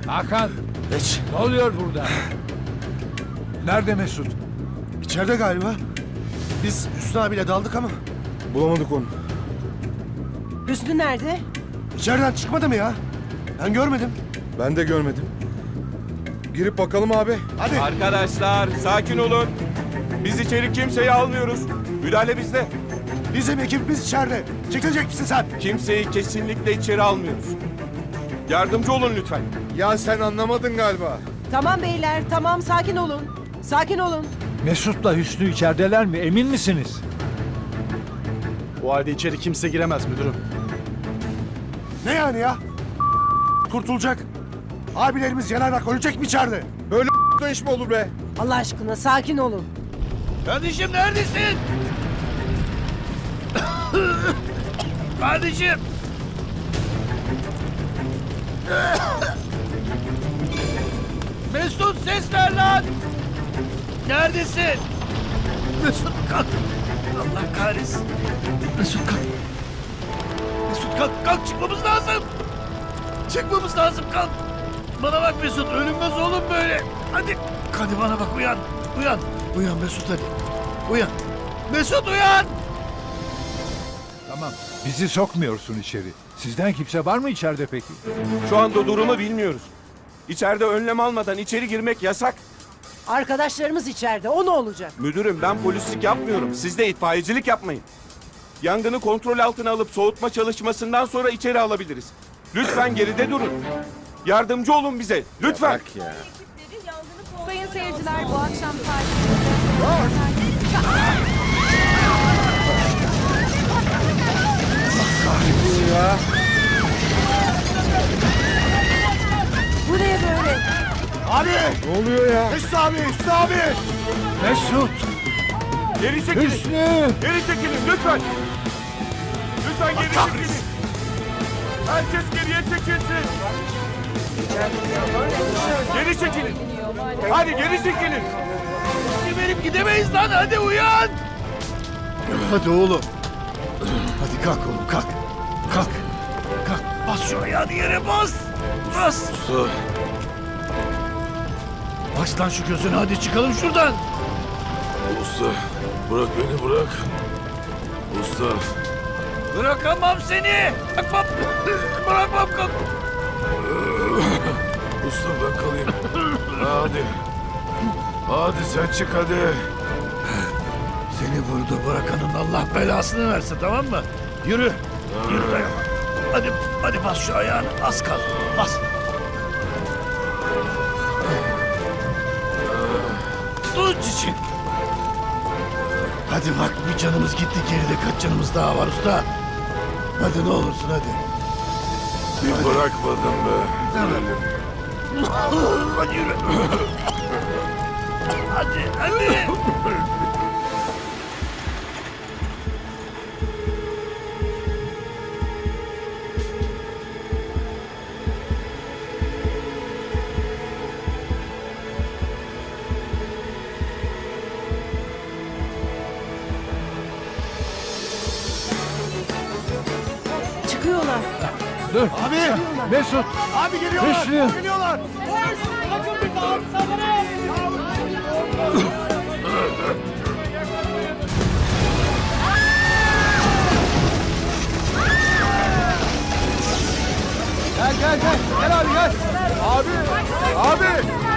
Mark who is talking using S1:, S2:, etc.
S1: Hakan,
S2: Geç.
S1: ne oluyor burada? Nerede Mesut?
S2: İçeride galiba. Biz Hüsnü abiyle daldık ama bulamadık onu.
S3: Hüsnü nerede?
S2: İçeriden çıkmadı mı ya? Ben görmedim.
S4: Ben de görmedim. Girip bakalım abi.
S2: Hadi.
S5: Arkadaşlar sakin olun. Biz içeri kimseyi almıyoruz. Müdahale bizde.
S2: Bizim ekibimiz içeride. Çekilecek misin sen?
S5: Kimseyi kesinlikle içeri almıyoruz. Yardımcı olun lütfen.
S4: Ya sen anlamadın galiba.
S3: Tamam beyler, tamam sakin olun. Sakin olun.
S1: Mesut'la Hüsnü içerideler mi? Emin misiniz?
S6: Bu halde içeri kimse giremez müdürüm.
S2: Ne yani ya? Kurtulacak. Abilerimiz yanarak ölecek mi içeride?
S4: Böyle iş mi olur be?
S3: Allah aşkına sakin olun.
S6: Kardeşim neredesin? Kardeşim. Mesut ses ver lan. Neredesin? Mesut kalk. Allah kahretsin. Mesut kalk. Mesut kalk. Kalk çıkmamız lazım. Çıkmamız lazım kalk. Bana bak Mesut ölünmez oğlum böyle. Hadi. Hadi bana bak uyan. Uyan. Uyan Mesut hadi. Uyan. Mesut uyan.
S1: Tamam. Bizi sokmuyorsun içeri. Sizden kimse var mı içeride peki?
S5: Şu anda durumu bilmiyoruz. İçeride önlem almadan içeri girmek yasak.
S3: Arkadaşlarımız içeride, o ne olacak?
S5: Müdürüm ben polislik yapmıyorum. Siz de itfaiyecilik yapmayın. Yangını kontrol altına alıp soğutma çalışmasından sonra içeri alabiliriz. Lütfen geride durun. Yardımcı olun bize. Lütfen.
S7: Sayın seyirciler bu akşam saat...
S3: Bu ne böyle?
S2: Abi!
S4: Ne oluyor ya?
S2: Hüsnü abi! Hüsnü abi!
S1: Mesut!
S5: Geri çekilin.
S1: Hüsnü!
S5: Geri çekilin lütfen. Lütfen geri çekilin. Herkes geriye çekilsin. Geri çekilin. Hadi geri çekilin.
S6: Gidelim gidemeyiz lan hadi uyan. Hadi oğlum. Hadi kalk oğlum kalk. Kalk. Kalk. Bas şu ayağını yere bas. Bas. Bas lan şu gözünü hadi çıkalım şuradan.
S8: Usta bırak beni bırak. Usta
S6: Bırakamam seni. Bırakmam. Bırakmam kalk.
S8: usta ben kalayım. Hadi. Hadi sen çık hadi.
S6: Seni burada bırakanın Allah belasını versin tamam mı? Yürü. Yürü dayan. Hadi bas şu ayağını. Az kal. Bas. Tut için. Hadi bak bir canımız gitti geride kaç canımız daha var usta. Hadi ne olursun hadi.
S8: Bir bırakmadın be. Ölelim.
S6: Hadi yürü. Hadi.
S3: Çıkıyorlar.
S1: Dur!
S2: Abi!
S1: Mesut!
S2: Abi geliyorlar!
S1: Hüsnü!
S2: Geliyorlar!
S1: Gel! Gel abi gel! Abi! Abi!